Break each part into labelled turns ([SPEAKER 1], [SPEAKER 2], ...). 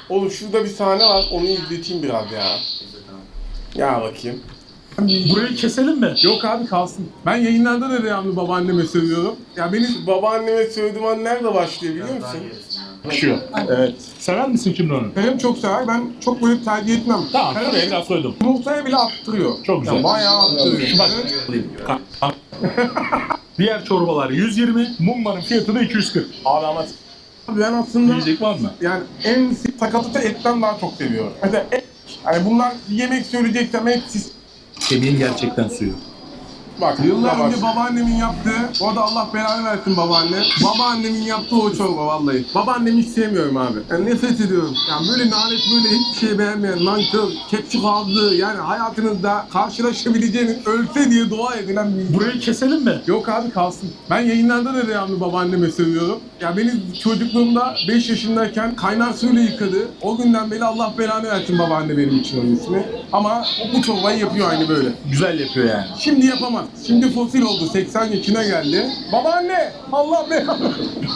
[SPEAKER 1] Oğlum şurada bir sahne var, onu izleteyim biraz ya. Ya bakayım.
[SPEAKER 2] Burayı keselim mi?
[SPEAKER 1] Yok abi kalsın. Ben yayınlarda da devamlı babaanneme sövüyorum. Ya benim babaanneme sövdüğüm an nerede başlıyor biliyor musun?
[SPEAKER 2] Başlıyor.
[SPEAKER 1] Evet.
[SPEAKER 2] Sever misin şimdi onu?
[SPEAKER 1] Benim çok sever, ben çok böyle tercih etmem.
[SPEAKER 2] Tamam, şuraya biraz koydum.
[SPEAKER 1] Yumurtaya bile attırıyor.
[SPEAKER 2] Çok güzel.
[SPEAKER 1] Ya bayağı attırıyor.
[SPEAKER 2] Şu bak. Diğer çorbalar 120, mumbarın fiyatı da 240.
[SPEAKER 1] Abi ama ben aslında
[SPEAKER 2] Yiyecek var mı?
[SPEAKER 1] yani en sakatatı etten daha çok seviyorum. Mesela et, hani bunlar yemek söyleyeceksem etsiz.
[SPEAKER 2] Kemiğin gerçekten suyu.
[SPEAKER 1] Bak yıllar önce babaannemin yaptığı, o da Allah belanı versin babaanne. Babaannemin yaptığı o çorba vallahi. Babaannemi hiç sevmiyorum abi. Yani nefret ediyorum. Yani böyle nalet, böyle hiçbir şey beğenmeyen, nankör, kepçük ağzı, yani hayatınızda karşılaşabileceğiniz ölse diye dua edilen bir...
[SPEAKER 2] Burayı keselim mi?
[SPEAKER 1] Yok abi kalsın. Ben yayınlarda da devamlı babaanneme sövüyorum. Ya beni çocukluğumda 5 yaşındayken kaynar suyla yıkadı. O günden beri Allah belanı versin babaanne benim için onun ismi. Ama bu çorbayı yapıyor aynı böyle.
[SPEAKER 2] Güzel yapıyor yani.
[SPEAKER 1] Şimdi yapamaz. Şimdi fosil oldu. 80 yaşına geldi. Babaanne! Allah belanı.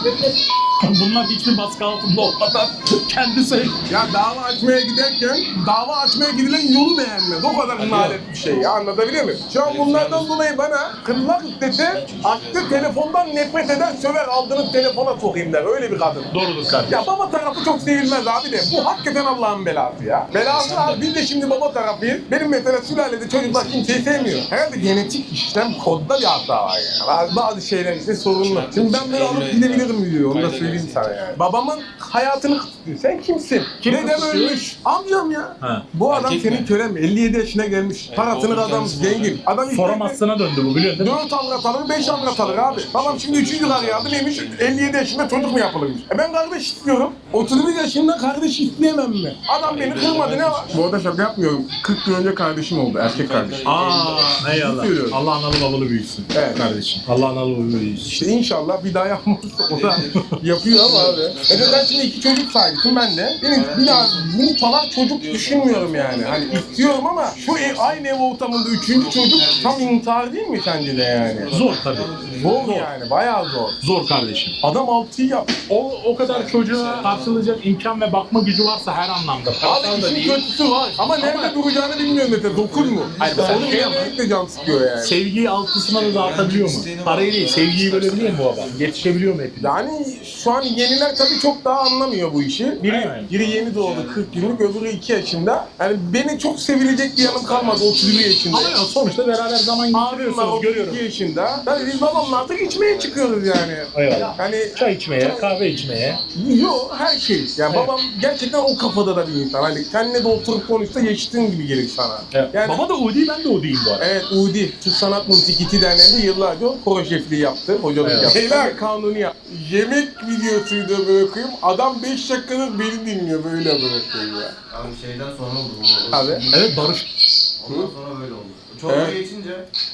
[SPEAKER 2] Bunlar hiçbir baskı altında olmadan kendisi...
[SPEAKER 1] Ya dava açmaya giderken dava açmaya gidilen yolu beğenmez. O kadar nalet bir şey ya, anlatabiliyor muyum? Şu an bunlardan dolayı bana kırmak istese açtı telefondan nefret eder söver, aldığınız telefona sokayım der. Öyle bir kadın.
[SPEAKER 2] Doğrudur kardeşim.
[SPEAKER 1] Ya baba tarafı çok sevilmez abi de. Bu hakikaten Allah'ın belası ya. Belası abi. Biz de şimdi baba tarafıyız. Benim mesela sülalede çocuklar kimseyi sevmiyor. Herhalde genetik işlem kodda bir hata var yani. Bazı şeyler işte sorunlu. Şimdi ben böyle alıp gidebilirim diyor. Onu da söyleyeyim sana yani. Babamın hayatını kısıtlıyor. Sen kimsin? Dedem
[SPEAKER 2] kısıtlıyor?
[SPEAKER 1] ölmüş. Amcam ya.
[SPEAKER 2] Ha.
[SPEAKER 1] Bu adam
[SPEAKER 3] Erkek
[SPEAKER 1] senin
[SPEAKER 3] mi?
[SPEAKER 1] kölen mi? 57 yaşına gelmiş. Parasını adam
[SPEAKER 3] kendisi
[SPEAKER 1] zengin. Adam işte
[SPEAKER 2] Soramazsına döndü bu, biliyorsun değil mi?
[SPEAKER 1] 4 avrat alır, 5 avrat alır abi. Babam şimdi 3. karı aldı. Neymiş? 57 yaşında çocuk mu yapılırmış? Ben kardeş istiyorum. 31 yaşında kardeş isteyemem mi? Adam beni kırmadı, ne var? Bu arada şaka yapmıyorum. 40 yıl önce kardeşim oldu. Erkek kardeşim.
[SPEAKER 2] Eyvallah.
[SPEAKER 1] Söylüyorum.
[SPEAKER 2] Allah analı babalı büyüsün.
[SPEAKER 1] Evet.
[SPEAKER 2] Kardeşim. Allah analı babalı büyüsün.
[SPEAKER 1] İşte inşallah bir daha yapmazsa o da yapıyor ama abi. Ben şimdi 2 çocuk sahibisin ben de. Benim bir daha bunu falan çocuk düşünmüyorum yani. Hani istiyorum ama şu aynı ev ortamında 3. çocuk tam intihar değil mi sence de yani?
[SPEAKER 2] Zor tabii.
[SPEAKER 1] Zor yani, bayağı zor.
[SPEAKER 2] Zor kardeşim.
[SPEAKER 1] Adam 6'yı yap.
[SPEAKER 2] O kadar çocuğa karşılayacak imkan ve bakma gücü varsa her anlamda. Parasal
[SPEAKER 1] Abi
[SPEAKER 2] da
[SPEAKER 1] işin
[SPEAKER 2] değil.
[SPEAKER 1] kötüsü var. Ama nerede duracağını bilmiyorum mesela. 9 mu?
[SPEAKER 2] Hayır,
[SPEAKER 1] Onun
[SPEAKER 2] sen şey
[SPEAKER 1] yemeği de can sıkıyor yani.
[SPEAKER 2] Sevgiyi altısına da dağıtabiliyor mu? Parayı değil, sevgiyi bölebiliyor mu bu adam? Yetişebiliyor mu hepimiz?
[SPEAKER 1] Yani şu an yeniler tabii çok daha anlamıyor bu işi.
[SPEAKER 2] Aynen.
[SPEAKER 1] Biri yeni doğdu 40 günlük, öbürü 2 yaşında. Yani beni çok sevilecek bir yanım kalmadı 31 yaşında.
[SPEAKER 2] Ama ya sonuçta beraber zaman
[SPEAKER 1] Abim var
[SPEAKER 2] geçiriyorsunuz,
[SPEAKER 1] 32
[SPEAKER 2] görüyorum.
[SPEAKER 1] yaşında. Yani biz babamla artık içmeye çıkıyoruz yani.
[SPEAKER 2] Eyvallah.
[SPEAKER 1] Hani
[SPEAKER 2] Çay içmeye, kahve içmeye.
[SPEAKER 1] yok her şey. Yani
[SPEAKER 2] Evet.
[SPEAKER 1] babam gerçekten o kafada da bir insan. Hani seninle de oturup konuşsa yaşıtın gibi gelir sana. Yani
[SPEAKER 2] Baba da o değil, ben de o değilim bu arada.
[SPEAKER 1] evet, Udi, Türk Sanat Musikisi Derneği'nde yıllarca koro şefliği yaptı, hocalık
[SPEAKER 2] Evet.
[SPEAKER 1] yaptı. Beyler kanuni yaptı. Yemek videosuydu bırakayım, adam 5 dakikadır beni dinliyor, böyle bırakıyor ya.
[SPEAKER 3] Abi şeyden sonra oldu bu.
[SPEAKER 1] Abi.
[SPEAKER 2] Evet, Barış.
[SPEAKER 3] Ondan sonra böyle oldu. Çorba
[SPEAKER 1] Evet.
[SPEAKER 3] geçince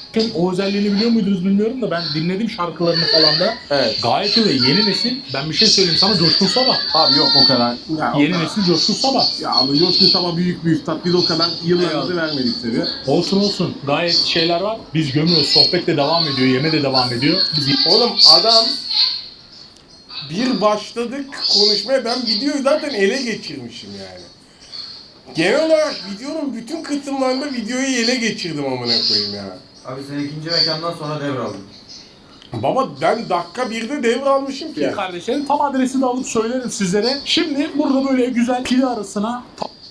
[SPEAKER 2] O özelliğini biliyor muydunuz bilmiyorum da ben dinledim şarkılarını falan da.
[SPEAKER 1] Evet.
[SPEAKER 2] Gayet iyi. Yeni nesil, ben bir şey söyleyeyim sana, Coşkun Sabah.
[SPEAKER 1] Abi yok o kadar. Ya,
[SPEAKER 2] Yeni nesil Coşkun Sabah.
[SPEAKER 1] Ya abi Coşkun Sabah büyük bir üstad, biz o kadar yıllarımızı vermedik tabii.
[SPEAKER 2] Olsun. Gayet şeyler var. Biz gömüyoruz. Sohbet de devam ediyor. Yeme de devam ediyor. Biz
[SPEAKER 1] Oğlum adam bir başladık konuşmaya, ben videoyu zaten ele geçirmişim yani. Genel olarak videonun bütün kısımlarında videoyu ele geçirdim amına koyayım ya.
[SPEAKER 3] abi sen ikinci mekandan sonra devraldın.
[SPEAKER 1] Baba ben dakika 1'de devralmışım ki.
[SPEAKER 2] kardeşlerim tam adresini alıp söylerim sizlere. Şimdi burada böyle güzel pili arasına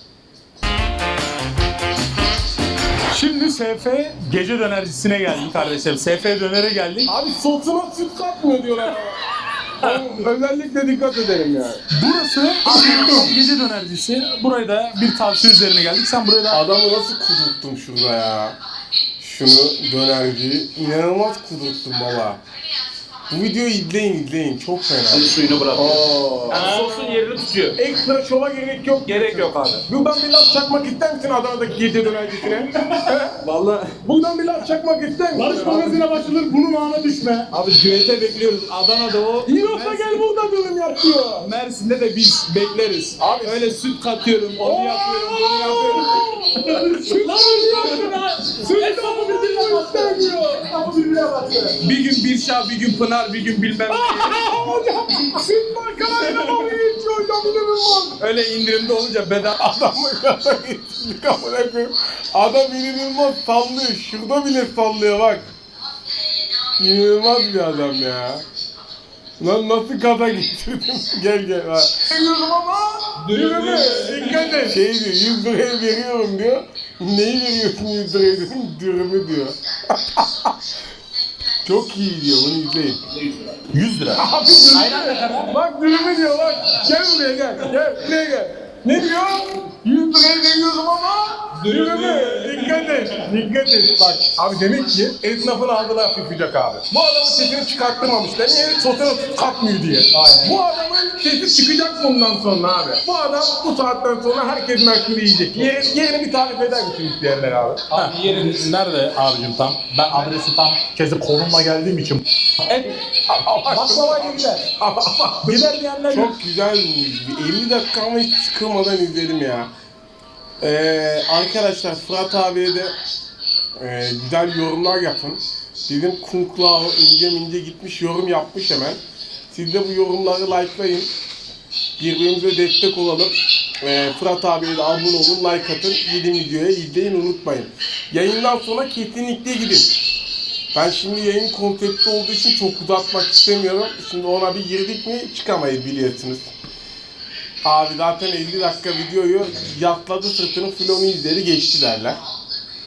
[SPEAKER 2] Şimdi SF gece dönercisine geldik kardeşlerim. SF dönere geldik.
[SPEAKER 1] Abi sosuna süt katmıyor diyorlar ama. Özellikle dikkat edelim yani.
[SPEAKER 2] Burası gece dönercisi. Buraya da bir tavsiye üzerine geldik. Sen buraya da
[SPEAKER 1] Adamı nasıl kudurttum şurada ya. Şunu dönerciyi inanılmaz kudurttum baba. Bu videoyu izleyin çok fena.
[SPEAKER 2] suyunu bırakıyor.
[SPEAKER 1] Oo.
[SPEAKER 2] Yani sosun yerini tutuyor.
[SPEAKER 1] Ekstra şova gerek yok.
[SPEAKER 2] Gerek yok abi.
[SPEAKER 1] Buradan bir laf çakmak ister misin Adana'daki gece dönercisine?
[SPEAKER 4] Vallahi
[SPEAKER 1] Buradan bir laf çakmak ister misin?
[SPEAKER 2] Barış magazine başlanır, bunun ağına düşme.
[SPEAKER 4] abi düete bekliyoruz. Adana'da o.
[SPEAKER 1] Yoksa gel burada bölüm yap diyor.
[SPEAKER 4] Mersin'de de biz bekleriz.
[SPEAKER 1] Abi-
[SPEAKER 4] öyle süt katıyorum, onu yapıyorum, bunu yapıyorum. Bir gün Birşah, bir gün Pınar, bir gün bilmem ne.
[SPEAKER 1] Hocam süt markalarıyla mı geçiyor hocam inanılmaz.
[SPEAKER 4] Öyle indirimde olunca bedava.
[SPEAKER 1] Adamı gaza getirdik amına koyayım. Adam inanılmaz sallıyor. Şurada bile sallıyor bak. İnanılmaz bir adam ya. Lan nasıl gaza getirdim? Gel ha. Veriyorum ama dürümü. Dikkat et. Şey diyor 100 liraya veriyorum diyor. Neyi veriyorsun 100 liraya diyor. Dürümü diyor. Çok iyi diyor bunu izleyin.
[SPEAKER 2] 100 lira.
[SPEAKER 1] Abi dürümü. Bak dürümü diyor bak. Gel buraya gel. Gel buraya gel. Ne diyor? 100 liraya veriyorum ama dürümü. Dikkat et. Dikkat et. Bak abi demek ki esnafın ağzına hafifleyecek abi. Bu adamın sesini çıkarttırmamışlar. Niye? Sosyal katmıyor diye. Aynen. Bu adamın sesi çıkacak bundan sonra abi. Bu adam bu saatten sonra herkes merkürü yiyecek. Yerini bir tarif eder misin isteyenler abi?
[SPEAKER 2] Abi yerin nerede abicim tam? Ben adresi tam kezi konumla geldiğim için. Baklava gider. Gider diyenler yok.
[SPEAKER 1] Çok güzel bir 50 dakika ama hiç sıkılmadan izledim ya. Arkadaşlar Fırat abiye de güzel yorumlar yapın. Bizim Kunklao ince gitmiş yorum yapmış hemen. Siz de bu yorumları likelayın. Birbirimize destek olalım. Fırat abiye de abone olun, like atın. Yeni videoya izleyin unutmayın. Yayından sonra kesinlikle gidin. Ben şimdi yayın konsepti olduğu için çok uzatmak istemiyorum. Şimdi ona bir girdik mi çıkamayız biliyorsunuz. Abi zaten 50 dakika videoyu yatladı sırtını, filonu izleri geçti derler.